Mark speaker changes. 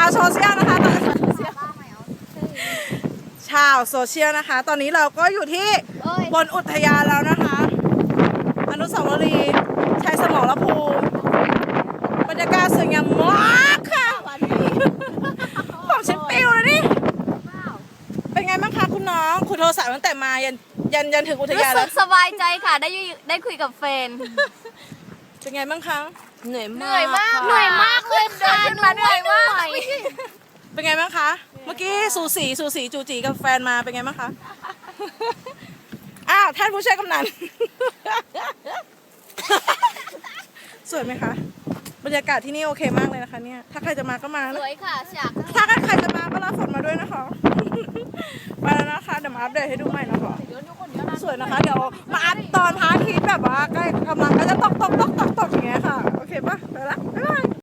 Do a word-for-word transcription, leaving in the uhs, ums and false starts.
Speaker 1: าวโซเชียลนะคะตอนชาวโซเชียลนะคะ ตอนนี้เราก็อยู่ที่บนอุทยานแล้วนะคะ อนุสาวรีย์ชัยสมรภูมิบรรยากาศสวยงามมากค่ะผมชิปปิวเลยนี่เป็นไงบ้างคะคุณน้องคุณโทรศัพท์ตั้งแต่มายันยันยันถึงอุท
Speaker 2: รู้
Speaker 1: ยาน
Speaker 2: สึ
Speaker 1: แล้
Speaker 2: ก
Speaker 1: ว
Speaker 2: สบายใจค่ะได้อยู่ได้คุยกับเฟน
Speaker 1: เป็นไงบ้างคะ
Speaker 2: เหนื่อย
Speaker 3: เหนื่อยมาก
Speaker 2: เหนื่อยมากเลยค่ะเหนื่อยมาก
Speaker 1: เป็นไงบ้างคะ เมื่อกี้สูสีสูสีจูจีกับแฟนมาเป็นไงบ้างคะ อ้าวท่านผู้ช่วยกำนัน สวยไหมคะ บรรยากาศที่นี่โอเคมากเลยนะคะเนี่ย ถ้าใครจะมาก็มา
Speaker 2: ส
Speaker 1: นะ
Speaker 2: วยค่ะฉาก
Speaker 1: ถ้าใครจะมาก็รับฝนมาด้วยนะคะ ไปแล้วนะคะ เดี๋ยวมาอัปเดตให้ดูใหม่นะคะ สวยนะคะ เดี๋ยวมาอัปตอนพระอาทิตย์แบบว่าใกล้กำลังก็จะตกตกตกตกตกอย่างเงี้ยค่ะ โอเคปะไปละบ๊ายบาย